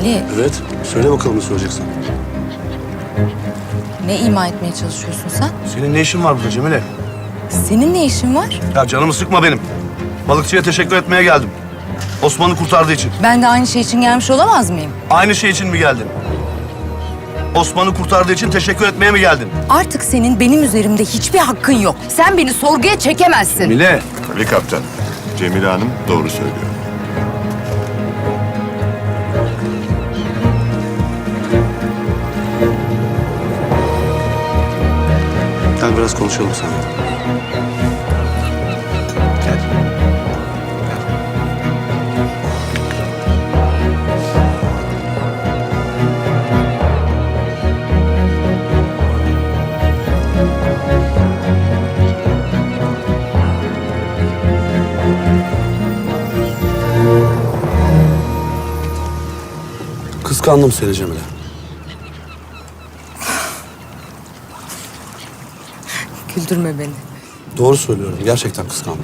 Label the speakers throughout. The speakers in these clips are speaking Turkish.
Speaker 1: Ali,
Speaker 2: Evet. Söyle bakalım ne söyleyeceksin.
Speaker 1: ne ima etmeye çalışıyorsun sen?
Speaker 2: Senin ne işin var burada Cemile?
Speaker 1: Senin ne işin var?
Speaker 2: Ya canımı sıkma benim. Balıkçıya teşekkür etmeye geldim. Osman'ı kurtardığı için.
Speaker 1: Ben de aynı şey için gelmiş olamaz mıyım?
Speaker 2: Aynı şey için mi geldin? Osman'ı kurtardığı için teşekkür etmeye mi geldin?
Speaker 1: Artık senin benim üzerimde hiçbir hakkın yok. Sen beni sorguya çekemezsin.
Speaker 2: Cemile.
Speaker 3: Ali Kaptan, Cemile Hanım doğru söylüyor.
Speaker 2: Gel biraz konuşalım seninle. Gel. Kıskandım seni Cemile.
Speaker 1: Güldürme beni.
Speaker 2: Doğru söylüyorum. Gerçekten kıskandım.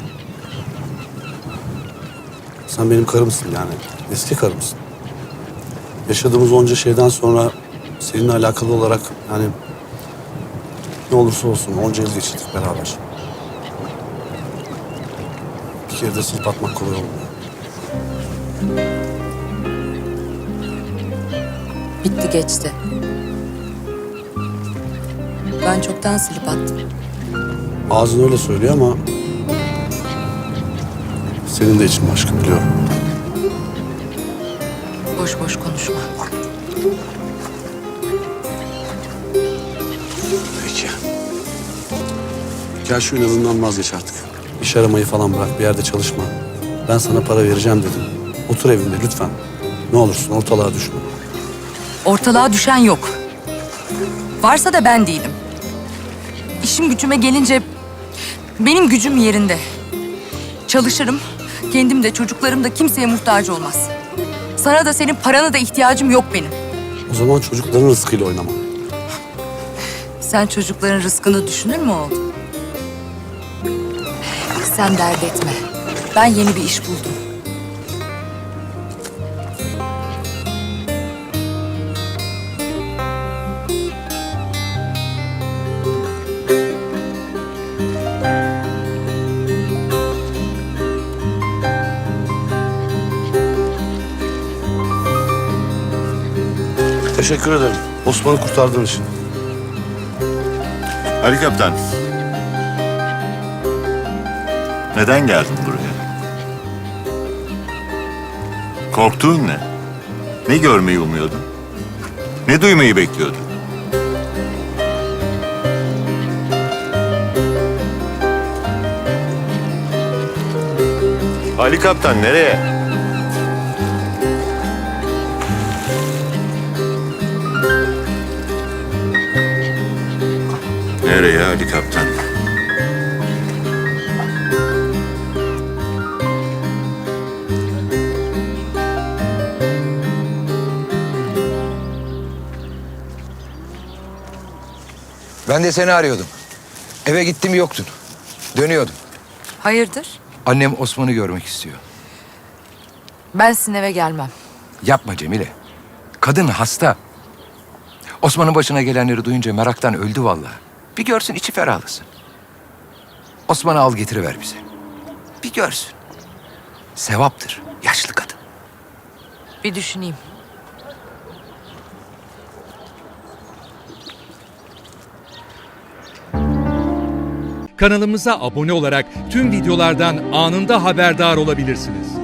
Speaker 2: Sen benim karımsın yani. Eski karımsın. Yaşadığımız onca şeyden sonra seninle alakalı olarak yani ne olursa olsun onca yıl geçirdik beraber. Bir kere de silip atmak kolay olmuyor.
Speaker 1: Bitti geçti. Ben çoktan silip attım.
Speaker 2: Ağzın öyle söylüyor ama senin de için başka biliyorum.
Speaker 1: Boş boş konuşma.
Speaker 2: Peki. Gel şu inadından vazgeç artık. İş aramayı falan bırak, bir yerde çalışma. Ben sana para vereceğim dedim. Otur evinde lütfen. Ne olursun ortalığa düşme.
Speaker 1: Ortalığa düşen yok. Varsa da ben değilim. İşim gücüme gelince benim gücüm yerinde. Çalışırım. Kendim de çocuklarım da kimseye muhtaç olmaz. Sana da senin parana da ihtiyacım yok benim.
Speaker 2: O zaman çocukların rızkıyla oynama.
Speaker 1: Sen çocukların rızkını düşünür mü oğlum? Sen dert etme. Ben yeni bir iş buldum.
Speaker 2: Teşekkür ederim. Osman'ı kurtardığın için.
Speaker 3: Ali Kaptan, neden geldin buraya? Korktuğun ne? Ne görmeyi umuyordun? Ne duymayı bekliyordun? Ali Kaptan nereye? Nereye Ali Kaptan?
Speaker 4: Ben de seni arıyordum. Eve gittim yoktun. Dönüyordum.
Speaker 1: Hayırdır?
Speaker 4: Annem Osman'ı görmek istiyor.
Speaker 1: Ben sizin eve gelmem.
Speaker 4: Yapma Cemile. Kadın hasta. Osman'ın başına gelenleri duyunca meraktan öldü vallahi. Bir görsün içi ferahlasın. Osman'ı al getiriver bize. Bir görsün. Sevaptır. Yaşlı kadın.
Speaker 1: Bir düşüneyim.
Speaker 5: Kanalımıza abone olarak tüm videolardan anında haberdar olabilirsiniz.